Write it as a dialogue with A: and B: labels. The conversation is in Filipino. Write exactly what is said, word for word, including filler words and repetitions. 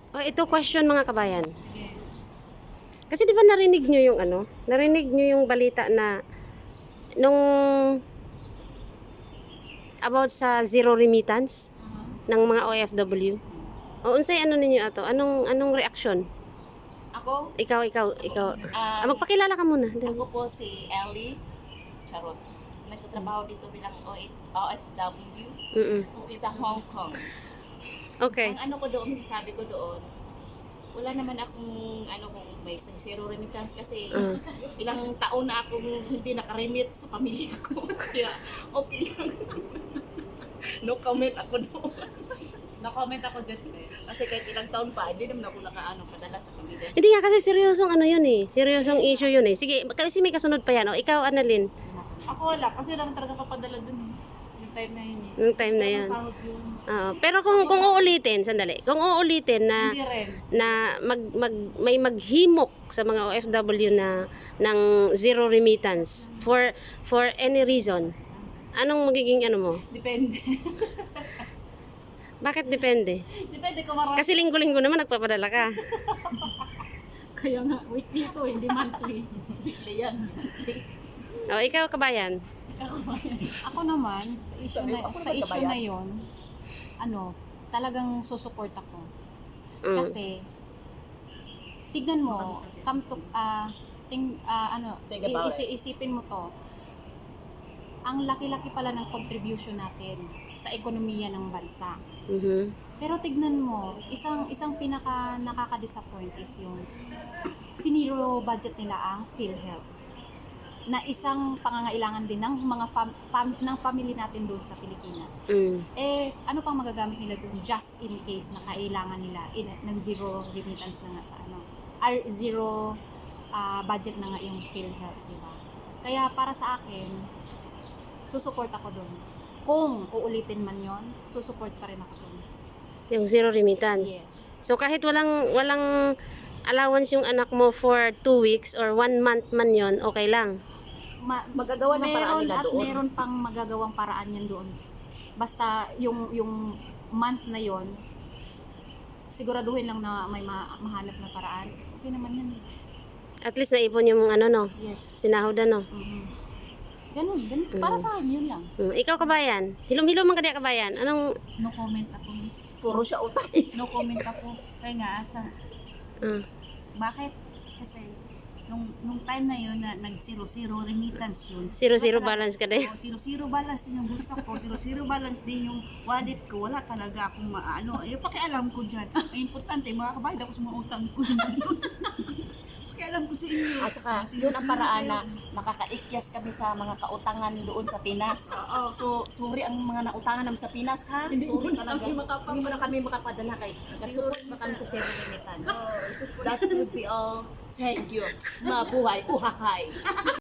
A: Oh, ito question mga kabayan. Kasi di ba narinig nyo yung ano? Narinig nyo yung balita na nung about sa zero remittance ng mga O F W. O unsay ano ninyo ato? Anong anong reaction?
B: Ako,
A: Ikaw, ikaw, ikaw.
B: Ah,
A: Ah, magpakilala ka muna. Dali.
B: ako po si Ellie. Charot. Nagtatrabaho dito bilang O F W
A: Mm-mm.
B: sa Hong Kong.
A: Okay.
B: Ang ano ko doon, masasabi ko doon, wala naman akong ano kung may zero remittance kasi
A: Uh.
B: ilang taon na akong hindi nakaremit sa pamilya ko. Kaya okay lang. No comment ako doon.
C: Na-comment ako dyan.
B: Kasi kahit ilang taon pa, hindi naman ako nakaano padala sa pamilya.
A: Hindi nga kasi seryosong ano yun eh. Seryosong issue yun eh. Sige, kasi may kasunod pa yan. O, ikaw, Annalyn.
C: Ako wala, kasi lang talaga papadala dun eh. Yung time na yun eh.
A: Yung time na yan.
C: Sahod yun.
A: Oo. Pero kung kung uulitin, sandali. Kung uulitin na
C: Hindi rin.
A: na mag, mag may maghimok sa mga O F W na ng zero remittance for for any reason. Anong magiging ano mo?
C: Depende.
A: Bakit depende?
C: Depende kung marami.
A: Kasi linggo-linggo naman nagpapadala ka.
B: Kaya nga, weekly to, hindi monthly. Weekly yan, monthly.
A: O, ikaw kabayan.
C: Ako naman, sa issue
B: Sabi,
C: na,
B: ako
C: sa
B: naman
C: issue
B: kabayan.
C: na yon, ano, talagang susupport ako.
A: Mm.
C: Kasi, tignan mo, come to, ah, ting, ah, ano,
B: Think about
C: isi- isipin mo to, ang laki-laki pala ng contribution natin sa ekonomiya ng bansa.
A: Mhm.
C: Pero tignan mo, isang isang pinaka nakaka-disappoint is yung siniro budget nila ang PhilHealth. Na isang pangangailangan din ng mga fam, fam, ng family natin doon sa Pilipinas.
A: Mm.
C: Eh, ano pang magagamit nila doon just in case na kailangan nila in, ng zero remittance na nga sa ano, or zero ah, budget na nga yung PhilHealth, di ba? Kaya para sa akin, susupport ako doon. Kung uulitin man yon, susupport pa rin ako doon.
A: Yung zero remittance.
C: Yes.
A: So kahit walang walang allowance yung anak mo for two weeks or one month man yon, okay lang.
C: Ma-
B: Magagawa ng paraan
C: meron
B: nila
C: at
B: doon.
C: meron pang magagawang paraan yan doon. Basta yung yung month na yon, siguraduhin lang na may ma- mahanap na paraan. Okay naman yan.
A: At least naipon yung ano no,
C: Yes.
A: sinahod ano.
C: Mhm. Ganun, ganun. Para sa akin, yun lang.
A: Mm. Ikaw kabayan. Hilom-hilom man kadi kabayan. Anong
D: No comment ako.
B: Puro siya utang.
D: No comment ako. Kaya nga, asa,
A: uh,
D: bakit? Kasi, nung, nung time na yun, na nag-zero-zero remittance yun.
A: zero-zero
D: wala talaga-
A: balance ka din.
D: Oo, zero-zero balance din yung bulsa ko. Zero-zero balance din yung wallet ko. Wala talaga akong maano. Eh, pakialam ko dyan. Ang importante, makakabayad ako sa mga utang ko. Pakialam ko sa inyo.
B: At saka,
D: Ah,
B: yun ang
D: zero-zero
B: paraan
D: kayo.
B: na makakaikyas kami sa mga kautangan doon sa Pinas. So, sorry ang mga nautangan namin sa Pinas, ha? Sorry talaga. Hindi mo na kami makapadala kay nag-support pa kami sa zero remittance. That would be all. Thank you. Mabuhay. Uhahay.